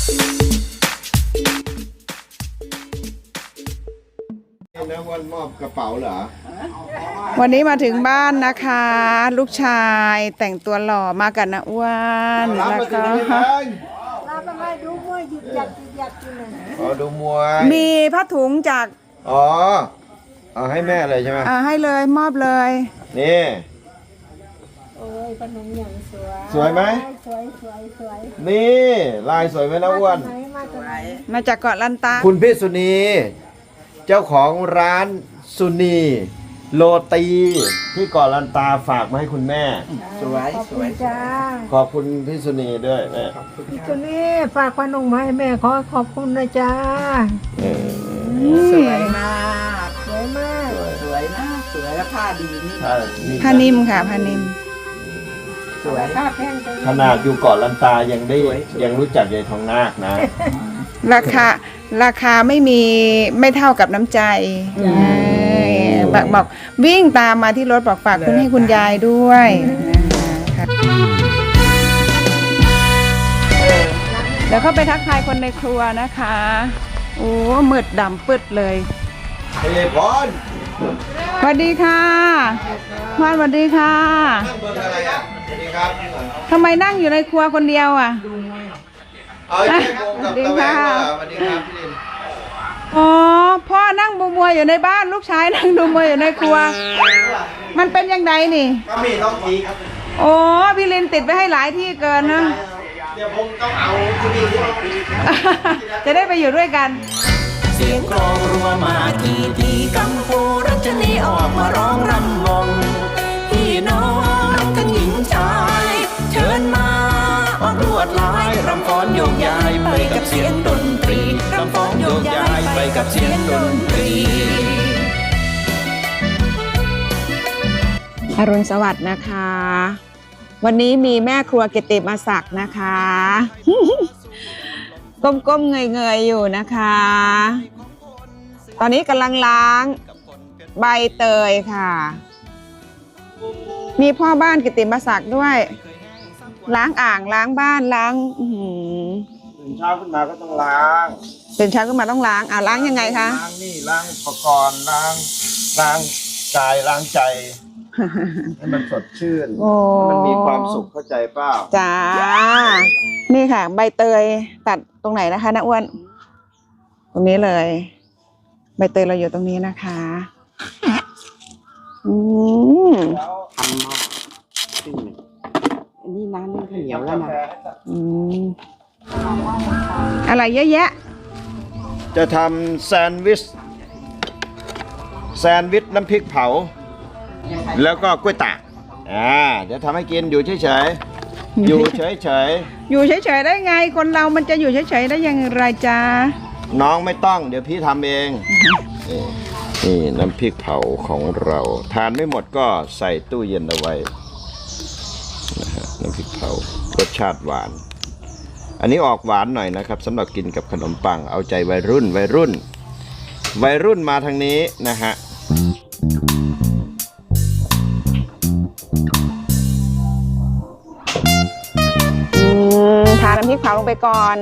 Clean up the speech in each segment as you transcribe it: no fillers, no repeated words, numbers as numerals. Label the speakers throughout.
Speaker 1: นะวันมอบกระเป๋าเหรอ
Speaker 2: วันนี้มาถึงบ้านนะคะ ลูกชายแต่งตัวหล่อมากันนะอ้วนแล้วก็
Speaker 3: ดูมวยหยุดหยัดอยู่นะ
Speaker 1: อ๋อดูมวย
Speaker 2: มีผ้าถุงจาก
Speaker 1: อ๋อเอาให้แม่เลยใช่ไหม
Speaker 2: ให้เลยมอบเลย
Speaker 1: นี่
Speaker 3: โอ้ยขนมอย่างสวย
Speaker 1: สวยไหม
Speaker 3: สวย
Speaker 1: นี่ลายสวยไหมนะอ้วน
Speaker 2: มาจากเกาะลันตา
Speaker 1: คุณพี่สุนีเจ้าของร้านสุนีโรตีที่เกาะลันตาฝากมาให้คุณแม่
Speaker 3: สวยจ้า
Speaker 1: ขอบคุณพี่สุนีด้วยแม่
Speaker 3: พี่สุนีฝากขนมมาให้แม่ขอบคุณนะจ้า
Speaker 4: สวยมาก
Speaker 3: สวยมาก
Speaker 4: สวยนะสวยและผ้าดีนี่
Speaker 2: ผ้านิ่มค่ะผ้านิ่ม
Speaker 4: สวย
Speaker 3: ผ้าแพง
Speaker 1: ขนาดอยู่เกาะลันตายังรู้จักยายทองนาคนะ
Speaker 2: ราคาไม่เท่ากับน้ำใจบอกวิ่งตามมาที่รถบอกฝากคุณให้คุณยายด้วยเดี๋ยวเข้าไปทักทายคนในครัวนะคะโอ้มืดดำปืดเลย
Speaker 1: เฮ้ยพร
Speaker 2: สวัสดีค่ะพรสวัสดีค่ะ
Speaker 1: นั่งเบอร์อะไรอ่ะสวัสดีครับ
Speaker 2: ทำไมนั่งอยู่ในครัวคนเดียวอ่ะ
Speaker 1: เอาแยกวงกับตะแหวงเหรอสวัสดีครับพี่ลิน
Speaker 2: อ๋อพ่อนั่งดูมวยอยู่ในบ้านลูกชายนั่งดูมวยอยู่ในครัวมันเป็นยังไงนี่
Speaker 1: ก็มีต้องทีครับ
Speaker 2: โอ้พี่ลินติดไปให้หลายที่เกินนะ
Speaker 1: เดี๋ยวผมต้องเอาที่นี่
Speaker 2: จะได้ไปอยู่ด้วยกัน
Speaker 5: เสียงกลองรัวมาทีกัมพูรัชนีออกมาร้องรำวงพี่น้องทั้งหญิงชายเชิญมาออกรวดลายรำฟ้อนโยกย้ายไปกับเสียงดนตรีรำฟ้อนโยกย้ายไปกับเสียงดนตรี
Speaker 2: อรุณสวัสดิ์นะคะวันนี้มีแม่ครัวกิติมาศักดิ์นะคะก้มๆเงยๆอยู่นะคะตอนนี้กำลังล้างใบเตยค่ะมีพ่อบ้านกิติมาศักดิ์ด้วยล้างอ่างล้างบ้านล้าง
Speaker 1: ตื่นเช้าขึ้นมาก็ต้องล้าง
Speaker 2: ตื่นเช้าขึ้นมาต้องล้างล้างยังไงคะ
Speaker 1: ล้างนี่ล้างอุปกรณ์ล้างกายล้างใจให้มันสดชื่นมันมีความสุขเข้าใจเปล่า
Speaker 2: จ้านี่ค่ะใบเตยตัดตรงไหนนะคะน้าอ้วนตรงนี้เลยใบเตยเราอยู่ตรงนี้นะคะอันนี้น้ำนึ่งข้าวเหนียวแล้วนะอะไรเยอะแยะ
Speaker 1: จะทำแซนด์วิชน้ำพริกเผาแล้วก็กล้วยตากเดี๋ยวทำให้กินอยู่เฉยๆอยู่เฉย
Speaker 2: ๆได้ไงคนเรามันจะอยู่เฉยๆได้ยังไรจ้า
Speaker 1: น้องไม่ต้องเดี๋ยวพี่ทำเองนี่น้ำพริกเผาของเราทานไม่หมดก็ใส่ตู้เย็นเอาไว้นะฮะน้ำพริกเผารสชาติหวานอันนี้ออกหวานหน่อยนะครับสำหรับกินกับขนมปังเอาใจวัยรุ่นมาทางนี้นะฮะ
Speaker 2: ทาน้ำพริกเผาลงไปก่อน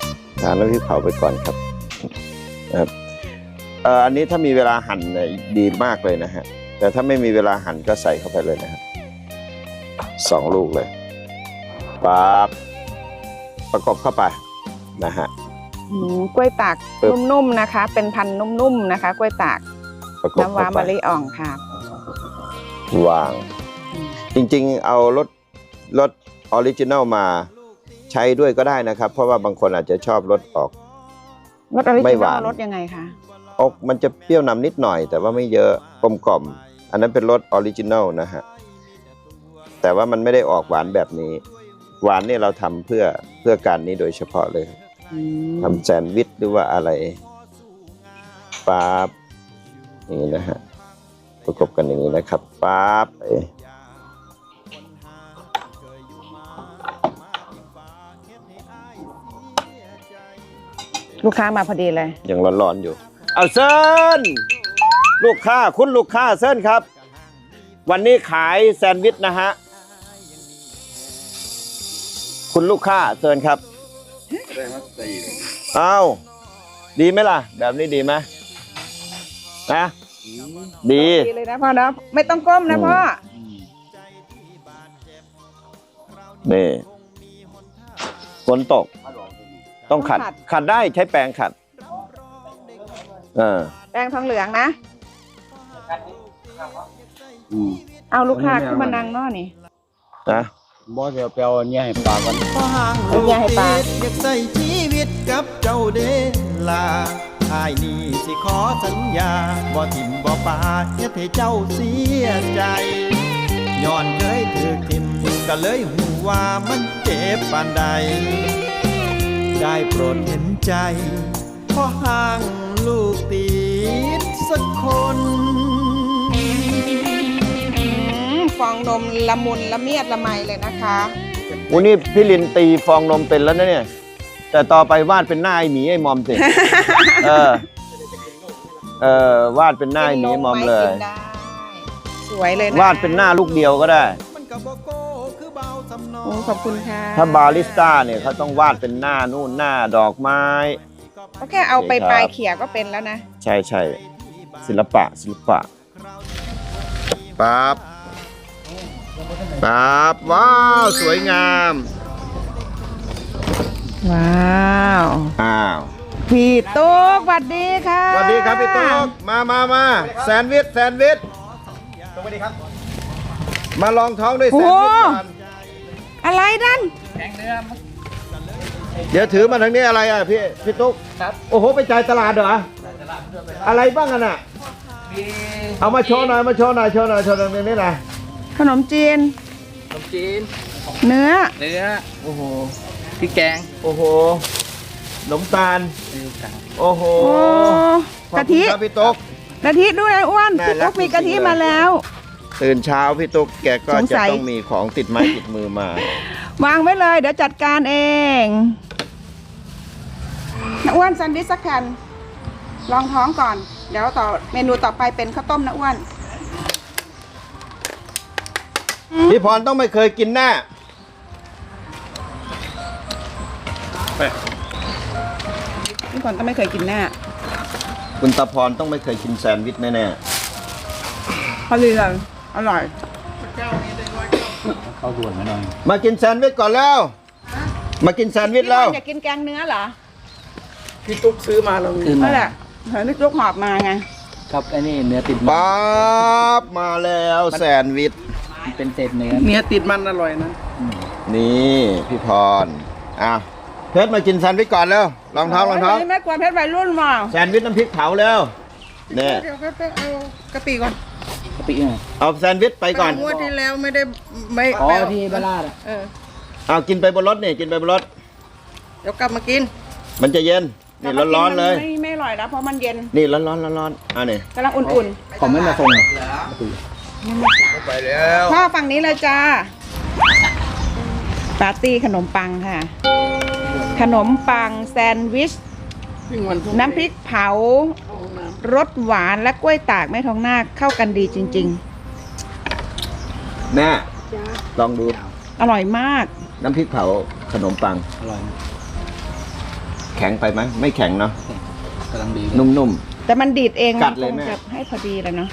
Speaker 1: ครับอันนี้ถ้ามีเวลาหั่นดีมากเลยนะฮะแต่ถ้าไม่มีเวลาหั่นก็ใส่เข้าไปเลยนะครับ2 ลูกเลยปั๊บประกบเข้าไปนะฮะ
Speaker 2: กล้วยตากนุ่มๆนะคะเป็นพันธุ์นุ่มๆนะคะกล้วยตากน้ำว้ามะลิอ่องค่ะ
Speaker 1: วางจริงๆเอารสออริจินัลมาใช้ด้วยก็ได้นะครับเพราะว่าบางคนอาจจะชอบรสออก
Speaker 2: รสออริจินัลรสยังไงคะ
Speaker 1: มันจะเปรี้ยวนำนิดหน่อยแต่ว่าไม่เยอะกลมๆอันนั้นเป็นรสออริจินัลนะฮะแต่ว่ามันไม่ได้ออกหวานแบบนี้หวานนี่เราทำเพื่อการนี้โดยเฉพาะเลยทำแซนด์วิชหรือว่าอะไรปั๊บอย่างนี้นะฮะประกบกันอย่างนี้นะครับปั๊บ
Speaker 2: ลูกค้ามาพอดีเลย
Speaker 1: ยังร้อนๆอยู่เอาเซิร์นคุณลูกค้าเซิร์นครับวันนี้ขายแซนด์วิชนะฮะคุณลูกค้าเซิร์นครับเอาดีไหมล่ะ แบบนี้ดีไหมนะดี
Speaker 2: ดีเลยนะพ่อนะไม่ต้องก้มนะพ่อ
Speaker 1: นี่ฝนตก ต้องขัด ขัดได้ใช้แปรงขัด
Speaker 2: แป้งทองเหลืองนะ เอาลูกค้าขึ้นมานั่งเนอนี่
Speaker 1: นะ
Speaker 6: บ่เดี๋ยวไปเอาเนี่ยให้ปลาก่อน
Speaker 2: เป็นยาให้ปลา
Speaker 5: อยากใส่ชีวิตกับเจ้าเดลาอ้ายนี่สิขอสัญญาบ่ทิมบ่ปาเฮ็ดให้เจ้าเสียใจย้อนเคยถูกทิมก็เลยหูว่ามันเจ็บปานใด ได้โปรดเห็นใจเพราะห่างลูกติดสักคน
Speaker 2: ฟองนมละมุนละเมียดละไมเลยนะคะ
Speaker 1: วันนี้พี่ลินตีฟองนมเป็นแล้วนะเนี่ย แต่ต่อไปวาดเป็นหน้าไอหมีไอมอมสิ วาดเป็นหน้าไอหมีไอมอมเลย
Speaker 2: กินได้สวยเลยนะ
Speaker 1: วาดเป็นหน้าลูกเดียวก็ได้
Speaker 5: มันก็บ่โก้คือเบาสำนอ
Speaker 2: โอ้ขอบคุณค่ะ
Speaker 1: ถ้าบาริสต้าเนี่ยเขาต้องวาดเป็นหน้านู่นหน้าดอกไม้
Speaker 2: ก็แค่เอาไปปลายเขี่ยก็เป็นแล้วนะ
Speaker 1: ใช่ใช่ศิลปะปั๊บว้าวสวยงาม
Speaker 2: ว้าว
Speaker 1: อ้าว
Speaker 2: พี่ตุ๊กสวัสดีค่ะ
Speaker 1: สวัสดีครับพี่ตุ๊กมาแซนด์วิชสวัสดีครับมาลองท้องด้วยแซนด์วิชก่อน
Speaker 2: อะไรดัน
Speaker 1: เดี๋ยวถือมาทางนี้อะไรอ่ะพี่ตุ๊กครับโอ้โหไปจ่ายตลาดเหรออะไรบ้างกันอ่ะเอามาโชว์หน่อยโชว์หน่อยตรงนี้นะ
Speaker 2: ขนมจีน เนื้อ
Speaker 6: โอ้โหพริกแกง
Speaker 1: โอ้โหขนมตาลโอ้โห
Speaker 2: โอ้
Speaker 1: ขอบ
Speaker 2: กะ
Speaker 1: คุณ
Speaker 2: ทิ
Speaker 1: ครับพี่ตุ๊ก
Speaker 2: กะทิด้วยนะอ้วน
Speaker 1: น่า
Speaker 2: พี่
Speaker 1: รั
Speaker 2: ตุ๊
Speaker 1: ก
Speaker 2: กมีกะทิ
Speaker 1: จริงๆเลย
Speaker 2: มาแล้ว
Speaker 1: ตื่นเช้าพี่ตุ๊กแกก็
Speaker 2: สง
Speaker 1: จะ
Speaker 2: สัย
Speaker 1: ต้องมีของติดไม้ติดมือมา
Speaker 2: วางไว้เลย เดี๋ยวจัดการเองนะอ้วนแซนด์วิชสักแผ่นลองท้องก่อน เดี๋ยวต่อเมนูต่อไปเป็นข้าวต้มนะอ้วน
Speaker 1: พี่พรต้องไม่เคยกินแน่
Speaker 2: พี่ฝนต้องไม่เคยกินแน่
Speaker 1: คุณตาพรต้องไม่เคยกินแซนด์วิชแน่
Speaker 2: พอดีเลยอร่อย
Speaker 6: เข้าด่วนมาหน่อย
Speaker 1: ๆมากินแซนด์วิชก่อนแล้วมากินแซนด์วิช
Speaker 2: พี่
Speaker 1: แล้ว
Speaker 2: ฝนอยากกินแกงเนื้อเหรอ
Speaker 6: พี่ตุ๊กซื้อมาแล้วซื้อมา
Speaker 2: นั่นแหละเห็นพี่ตุ๊กหอบมาไง
Speaker 6: ครับไอ้นี่เนื้อติดมัน
Speaker 1: ปั๊บมาแล้วแซนด์วิช
Speaker 6: มันเป็นเศษเนื้อติดมันอร่อยนะ
Speaker 1: นี่พี่พรเพชรมากินแซนด์วิชก่อนแล้วลองท้อง
Speaker 2: โยแม่กวนเพชรวัยรุ่นมา
Speaker 1: แซนด์วิชน้ำพริกเผาแล้วเนี่ย
Speaker 2: เดี๋ยวไปเอากะปิก่อน
Speaker 6: กะปิเนี่ย
Speaker 1: เอาแซนด์วิชไปก่อน
Speaker 2: งวดที่แล้วไม่ได้ไม่
Speaker 6: อ๋อ
Speaker 2: ไปเอา
Speaker 6: ที่บ้านลาดอ่ะ
Speaker 1: เอากินไปบนรถนี่กินไปบนรถ
Speaker 2: เดี๋ยวกลับมากิน
Speaker 1: มันจะเย็นนี่ร้อนๆเลย
Speaker 2: ไม่อร่อยแล้วเพราะมันเย็น
Speaker 1: นี่ร้อนนี่
Speaker 2: กำลังอุ่น
Speaker 6: ผมไม่มาส่งหรอก
Speaker 1: ไปแล้ว
Speaker 2: ๆพ่อฝั่งนี้เลยจ้าปาร์ตี้ขนมปังค่ะ ขนมปังแซนด์วิช น้ำพริกเผารสหวานและกล้วยตากแม่ทองนาคเข้ากันดีจริง
Speaker 1: แม่ลองดู
Speaker 2: ๆ อร่อยมาก
Speaker 1: น้ำพริกเผาขนมปัง
Speaker 6: อร่อยนะ
Speaker 1: แข็งไปไหมไม่แข็งเนาะ
Speaker 6: กำลังดี
Speaker 1: นุ่ม
Speaker 2: แต่มันดีดเอง
Speaker 1: กัดเลยแม่
Speaker 2: คงจะให้พอดีเลยเนาะ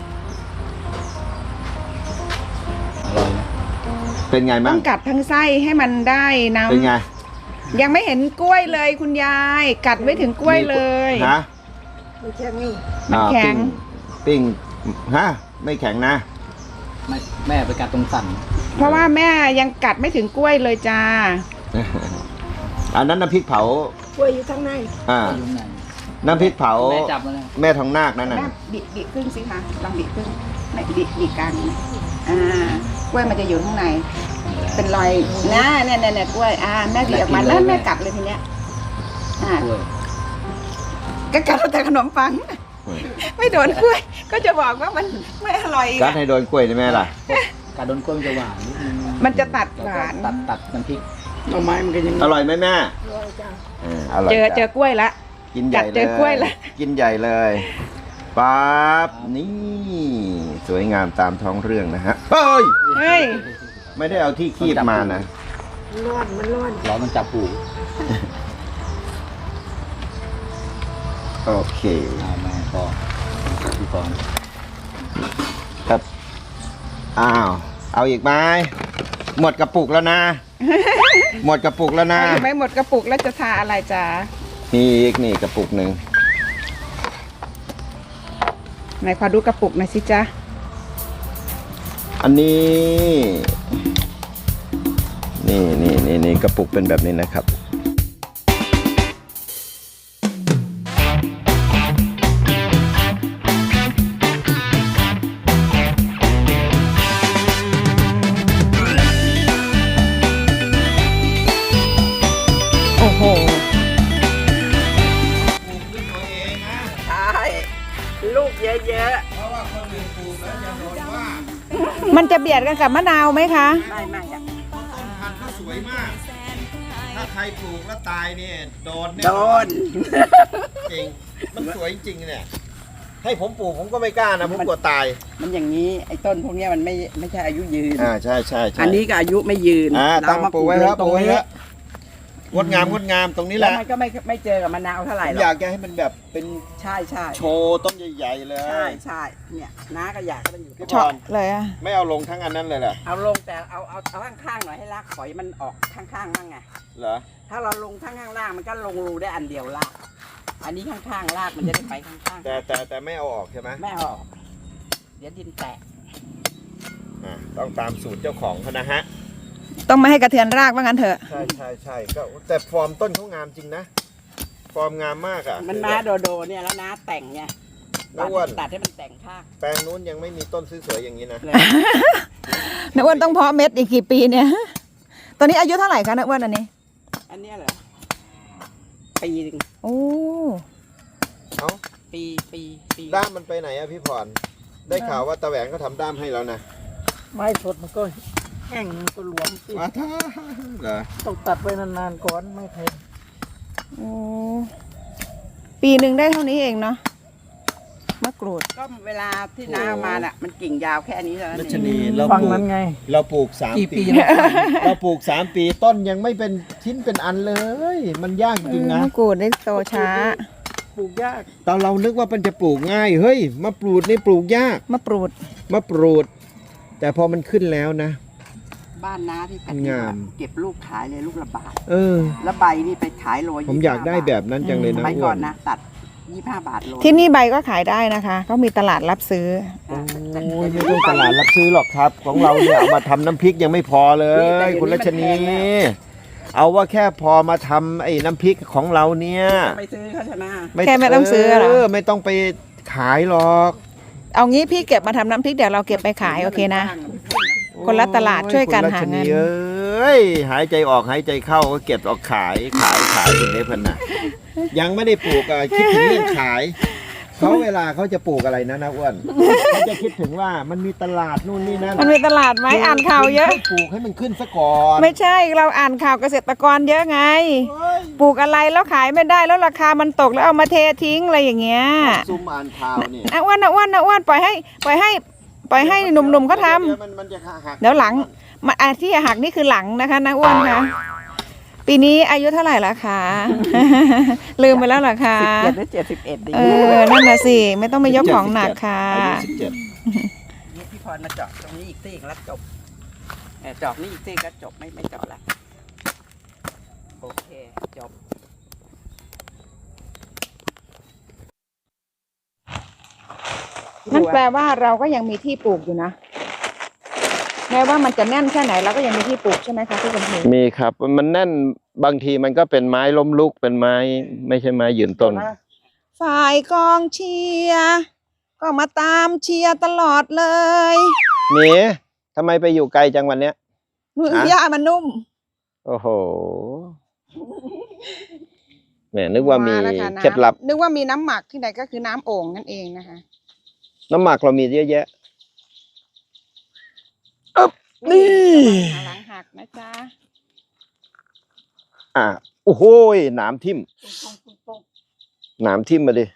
Speaker 6: อร่อยนะ
Speaker 1: ๆเป็นไง
Speaker 2: ต้
Speaker 1: มั่
Speaker 2: อง งกัดทั้งไส้ให้มันได้น้
Speaker 1: เป็นไง
Speaker 2: ำยังไม่เห็นกล้วยเลยคุณยาย กัดไม่ถึงกล้วยเลย
Speaker 1: ฮะ
Speaker 2: มันแข็ง
Speaker 1: ปิ้งฮะไม่แข็งนะ
Speaker 6: ไม่แม่ไปกัดตรงสัน
Speaker 2: เพราะว่าแม่ยังกัดไม่ถึงกล้วยเลยจ้า
Speaker 1: อันนั้นน้ำพริกเผา
Speaker 2: กล้วยอยู่ข้างใน
Speaker 6: ยุ่งไหน
Speaker 1: น้ำพริกเผา
Speaker 6: แม่จับมาแล้ว
Speaker 1: แม่ทองนาคนั่นน่ะ
Speaker 2: แม่บิครึ่งสิคะลองบิครึ่งไหนบิกลางนี่กล้วยมันจะอยู่ข้างใน เป็นรอยเนี่ยกล้วยแม่บีออกมาแล้วแม่กัดเลยทีเนี้ย
Speaker 6: กล้วย
Speaker 2: ก็กัดแต่ขนมปัง ไม่โดนกล้วย ก็จะบอกว่ามันไม่อร่อยอีก
Speaker 1: กัดให้โดนกล้วยได้ไหมล่ะ
Speaker 6: กัดโดนกล้วยมันจะหวานนิดนึง
Speaker 2: มันจะตัดหวาน
Speaker 6: ตัดน้ำพริก
Speaker 1: อร่อยไหมแม่อร่อย
Speaker 2: เจอ
Speaker 1: จ้ะ
Speaker 2: กล้วยละ
Speaker 1: กินใหญ่
Speaker 2: กัดเจอกล้วยละ
Speaker 1: กินใหญ่เลยปั๊บนี่สวยงามตามท้องเรื่องนะฮะเฮ้ย
Speaker 2: เฮ้ย
Speaker 1: ไม่ได้เอาที่คีบมานะ
Speaker 6: ร้อนมันจับหู
Speaker 1: โอเค
Speaker 6: เอาแม่ก็พี่กรณ์
Speaker 1: ครับอ้าวเอาอีกไหมหมดกระปุกแล้วนะ หมดกระปุกแล้วนะ
Speaker 2: ไม่หมดกระปุกแล้วจะทาอะไรจ๊ะ
Speaker 1: นี่อีกนี่กระปุกหนึ่ง
Speaker 2: ไหนขอดูกระปุกหน่อยสิจ๊ะ
Speaker 1: อันนี้นี่กระปุกเป็นแบบนี้นะครับ
Speaker 2: โอ้โห
Speaker 4: ใช่ลูกเยอะ
Speaker 2: มันจะเบียดกันกับมะนาวไหมคะ
Speaker 4: ๆไม่จ้ะ
Speaker 1: พันธุ์ก็สวยมาก ถ้าใครปลูกแล้วตายเนี่ยโดนแน่
Speaker 4: โด
Speaker 1: นอน
Speaker 4: น
Speaker 1: จริง มันสวยจริงเนี่ย ให้ผมปลูกผมก็ไม่กล้านะผมกลัวตาย
Speaker 4: มันอย่างนี้ไอ้ต้นพวกเนี้ยมันไม่ใช่อายุยืน
Speaker 1: ใช่
Speaker 4: อันนี้ก็อายุไม่ยืน
Speaker 1: ตั้งปลูกไว้ครับ
Speaker 4: ต
Speaker 1: ป
Speaker 4: ร
Speaker 1: ลูก
Speaker 4: ง
Speaker 1: ไว้
Speaker 4: นี้
Speaker 1: ครับงดงามตรงนี้แห
Speaker 4: แล้ว
Speaker 1: ละ
Speaker 4: มันก็ไม่เจอกับมะนาวเท่าไหร่
Speaker 1: ผม
Speaker 4: หร
Speaker 1: อ
Speaker 4: อย
Speaker 1: าก กจะให้มันแบบเป็น
Speaker 4: ใช่
Speaker 1: โชว์ต้นใหญ่ๆเลย
Speaker 4: ใช่เนี่ยน้าก็อยากให้มันอยู่
Speaker 1: พี่
Speaker 2: เฉาะเลยอะ
Speaker 1: ไม่เอาลงทั้งอันนั้นเลยเหรอ
Speaker 4: เอาลงแต่เอาข้างๆหน่อยให้รากฝอยมันออกข้างๆบ้างไง
Speaker 1: เหรอ
Speaker 4: ถ้าเราลงข้างล่างมันก็ลงรูได้อันเดียวรากอันนี้ข้างๆรากมันจะได้ไปข้าง
Speaker 1: แต่ไม่เอาออกใช่ไหม
Speaker 4: ๆไม่เอาออกเดี๋ยวดินแตก
Speaker 1: ต้องตามสูตรเจ้าของเขานะฮะ
Speaker 2: ต้องไม่ให้กระเทือนรากว่างั้นเถอะ
Speaker 1: ใช่ก็แต่ฟอร์มต้นเขางามจริงนะ ฟอร์มงามมากอ่ะ
Speaker 4: มันมาโดเนี่ยแล้วน้าแต่งไง
Speaker 1: น้าอ้วน
Speaker 4: ตัดให้มันแต่งข้าง
Speaker 1: แปลงนู้นยังไม่มีต้นสวยๆอย่างนี้นะ
Speaker 4: เลย
Speaker 2: น้าอ้วนต้องเพาะเม็ดอีกกี่ปีเนี่ย ตอนนี้อายุเท่าไหร่คะน้าอ้วนอันนี้
Speaker 4: อันเนี้ยเหรอปีหนึ่ง
Speaker 2: โอ้
Speaker 1: เอ้า
Speaker 4: ปี
Speaker 1: ด้ามมันไปไหนอะพี่พรได้ข่าวว่าตาแหวงเขาทำด้ามให้แล้วนะ
Speaker 3: ไม้สดมันก็แห้งมันก็หลวมสิ
Speaker 1: มาท่าเหรอ
Speaker 3: ต้องตัดไว้นานๆก่อนไม่แพง
Speaker 2: โอ้ปีหนึ่งได้เท่านี้เองเนาะมะกรูด
Speaker 4: ก็เวลาที่น้าเอามาน่ะมันกิ่งยาวแค่นี้เท่านั้น
Speaker 1: รั
Speaker 4: เอ
Speaker 1: ช
Speaker 4: ง
Speaker 1: นีเรา
Speaker 3: ฟัง
Speaker 1: ปลูก
Speaker 3: นั้นไง
Speaker 1: เราปลูก3
Speaker 3: กี่
Speaker 1: ปี
Speaker 3: ปีแล้ว
Speaker 1: เราปลูก3 ปีต้นยังไม่เป็นชิ้นเป็นอันเลย มันยากจริงนะ
Speaker 2: มะกรูดได้โตช้า
Speaker 3: ปลูกยาก
Speaker 1: ตอนเรานึกว่ามันจะปลูกง่ายเฮ้ยมะปรูดนี่ปลูกยาก
Speaker 2: มะปรูด
Speaker 1: มะปรูด แต่พอมันขึ้นแล้วนะ
Speaker 4: บ้านน้าที่แผ่น
Speaker 1: งาม
Speaker 4: เก็บลูกขายเลยลูกละบาท
Speaker 1: เออ
Speaker 4: แล้วใบนี่ไปขายโล
Speaker 1: ผมอยากได้แบบนั้นจังเลย
Speaker 4: ส
Speaker 1: นะ
Speaker 4: มัย
Speaker 1: อ้
Speaker 4: ก่
Speaker 1: ว
Speaker 4: อน
Speaker 1: น
Speaker 4: นะตัด25 บาทโล
Speaker 2: ที่นี่ใบก็ขายได้นะคะเขามีตลาดรับซื้อ
Speaker 1: โอ้ยไม่ต้องตลาดรับซื้อหรอกครับ ของเราเนี่ยเอามาทำน้ำพริกยังไม่พอเลย คุณรัชนี เอาว่าแค่พอมาทำไอ้น้ำพริกของเราเนี่ย
Speaker 4: ไปซื้อเขาชนะ
Speaker 2: แค่ไม่ต้องซื้อเหรอ
Speaker 1: ไม่ต้องไปขายหรอก
Speaker 2: เอางี้พี่เก็บมาทำน้ำพริกเดี๋ยวเราเก็บไปขายโอเคนะ คนละตลาดช่วยกันหาเงิน
Speaker 1: คุณรัชเอ้ยหายใจออกหายใจเข้าก็เก็บออกขายถึงได้พันน่ะยังไม่ได้ปลูกอ่ะคิดถึงเรื่องขายเขาเวลาเขาจะปลูกอะไรนะอ้วนเขาจะคิดถึงว่ามันมีตลาดนู่นนี่นั่น
Speaker 2: มันมีตลาดไหมอ่านข่าวเยอะ
Speaker 1: ให้ปลูกให้มันขึ้นซะก่อน
Speaker 2: ไม่ใช่เราอ่านข่าวเกษตรกรเยอะไง ปลูกอะไรแล้วขายไม่ได้แล้วราคามันตกแล้วเอามาเททิ้งอะไรอย่างเงี้ย
Speaker 1: ซุ่มอ่านข่าวนี่
Speaker 2: อ้วนปล่อยให้หนุ่มๆเขาท
Speaker 1: ดี๋ยวมันจะหัก
Speaker 2: ำเดี๋ยวหลังมาที่หักนี่คือหลังนะคะนะอ้วนคะปีนี้อายุเท่าไหร่ละคะ ลืมไปแล้วเหรอคะ
Speaker 4: 17หรือ71ดี
Speaker 2: นั่นน่ะสิไม่ต้องไปยกของหนักค่ะ
Speaker 1: อายุ17
Speaker 4: นี่พี่พรมาเจาะตรงนี้อีกซี่แล้วจบเจาะนี่อีกซี่ก็จบไม่เจาะละโอเคจบ
Speaker 2: นั่นแปลว่าเราก็ยังมีที่ปลูกอยู่นะแม้ว่ามันจะแน่นแค่ไหนเราก็ยังมีที่ปลูกใช่ไหมคะที่กำแพง
Speaker 1: มีครับมันแน่นบางทีมันก็เป็นไม้ล้มลุกเป็นไม้ไม่ใช่ไม้ยืนต้น
Speaker 2: ฝ่ายกองเชียร์ก็มาตามเชียร์ตลอดเลย
Speaker 1: หมีทำไมไปอยู่ไกลจังวันเนี้ย ฮะ
Speaker 2: หญ้ามันนุ่ม
Speaker 1: โอ้โหแหมนึกว่ามี
Speaker 2: แล้วค่ะน้ำ
Speaker 1: เคล็ดลับ
Speaker 2: นึกว่ามีน้ำหมักที่ไหนก็คือน้ำโอ่งนั่นเองนะคะ
Speaker 1: น้ำหมักเรามีเยอะแยะนี่
Speaker 2: หลังหักนะจ๊ะ
Speaker 1: โอ้โหหนามทิ่มหนามทิ่มมาดิ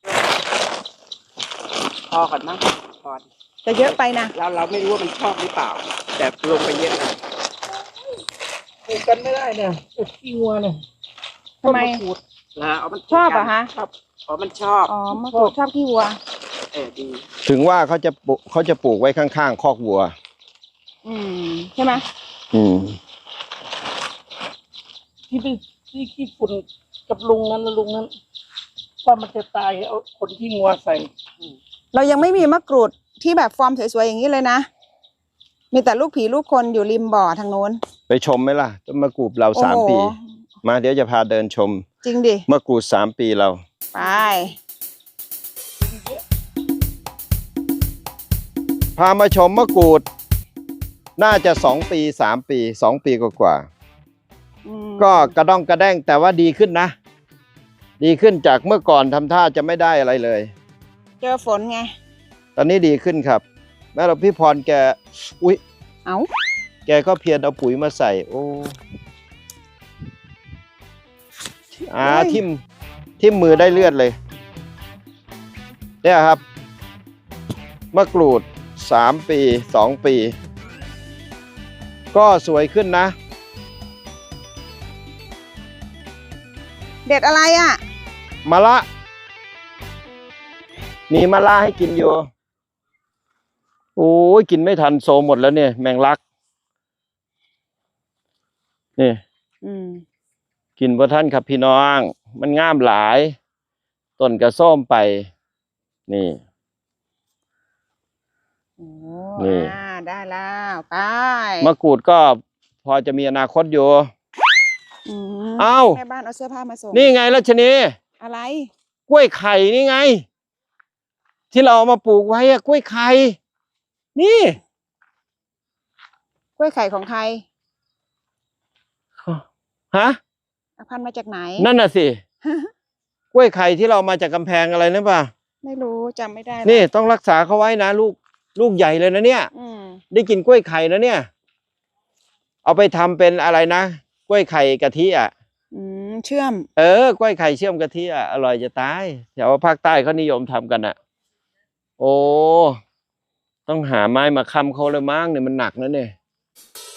Speaker 4: พอก่อนมั้งพอ
Speaker 2: จะเยอะไปนะ
Speaker 4: เราไม่รู้ว่ามันชอบหรือเปล่า แต่ลงไปเยอะนะ
Speaker 3: ปลูกกันไม่ได้เนี่ยปลูกขี้งัวเนี่ย
Speaker 2: ทำไม
Speaker 3: ต้นมะกรูด
Speaker 4: นะเอามัน
Speaker 2: ชอบเหรอคะ
Speaker 3: ครับ
Speaker 4: อ๋อมันชอบ
Speaker 2: อ๋อมะกรูดชอบขี้วัว
Speaker 4: ดี
Speaker 1: ถึงว่าเขาจะปลูกไว้ข้างๆคอกวัว
Speaker 2: ใช่ไหม
Speaker 1: อืม
Speaker 3: ที่ขี้ฝุ่นกับลุงนั้นว่ามันจะตายเอาคนที่งัวใส่
Speaker 2: เรายังไม่มีมะกรูดที่แบบฟอร์มสวยๆอย่างนี้เลยนะ มีแต่ลูกผีลูกคนอยู่ริมบ่อทางโน้น
Speaker 1: ไปชมไหมล่ะต้นมะกรูดเรา
Speaker 2: โอ้โห
Speaker 1: 3 ปี มาเดี๋ยวจะพาเดินชม
Speaker 2: จริงดิ
Speaker 1: มะกรูด3 ปีเรา
Speaker 2: ไป
Speaker 1: พามาชมมะกรูด น่าจะ2 ปี3 ปี2 ปีกว่าๆก็กระด้องกระแด้งแต่ว่าดีขึ้นนะ ดีขึ้นจากเมื่อก่อนทำท่าจะไม่ได้อะไรเลย
Speaker 2: เจอฝนไง
Speaker 1: ตอนนี้ดีขึ้นครับแม่เราพี่พรแก อุ๊ย
Speaker 2: เอา
Speaker 1: แกก็เพียรเอาปุ๋ยมาใส่ โอ้ทิ่มมือได้เลือดเลย เนี่ยครับมะกรูด3 ปี2 ปี ก็สวยขึ้นนะ
Speaker 2: เด็ดอะไรอ่ะ
Speaker 1: มะละ มีมะละให้กินอยู่ โอ้ยกินไม่ทันโซหมดแล้วเนี่ยแมงลัก นี่ กินบ่ท่านครับพี่น้อง มันงามหลาย ต้นกระส้มไป นี่
Speaker 2: โอ้
Speaker 1: นี่
Speaker 2: ได้แล้วไป
Speaker 1: มะกรูดก็พอจะมีอนาคตอยู่
Speaker 2: ม
Speaker 1: เอ้า
Speaker 2: แม่บ้านเอาเสื้อผ้ามาส่ง
Speaker 1: นี่ไงรัชนี
Speaker 2: อะไร
Speaker 1: กล้วยไข่นี่ไง ที่เราเอามาปลูกไว้อะกล้วยไข่ นี่
Speaker 2: กล้วยไข่ของใคร
Speaker 1: ฮะ
Speaker 2: เอาพันธุ์มาจากไหน
Speaker 1: นั่นน่ะสิ กล้วยไข่ที่เรามาจากกำแพงอะไรนะป่ะ
Speaker 2: ไม่รู้จำไม่ได้
Speaker 1: นี่ต้องรักษาเขาไว้นะลูกใหญ่เลยนะเนี่ย
Speaker 2: อืม
Speaker 1: ได้กินกล้วยไข่นะเนี่ย เอาไปทำเป็นอะไรนะ กล้วยไข่กะทิอ่ะ
Speaker 2: เชื่อม
Speaker 1: กล้วยไข่เชื่อมกะทิอ่ะ อร่อยจะตายแถวภาคใต้เขานิยมทำกันอ่ะ โอ้ ต้องหาไม้มาค้ำเขาเลยมั้งเนี่ยมันหนักนะเนี่ย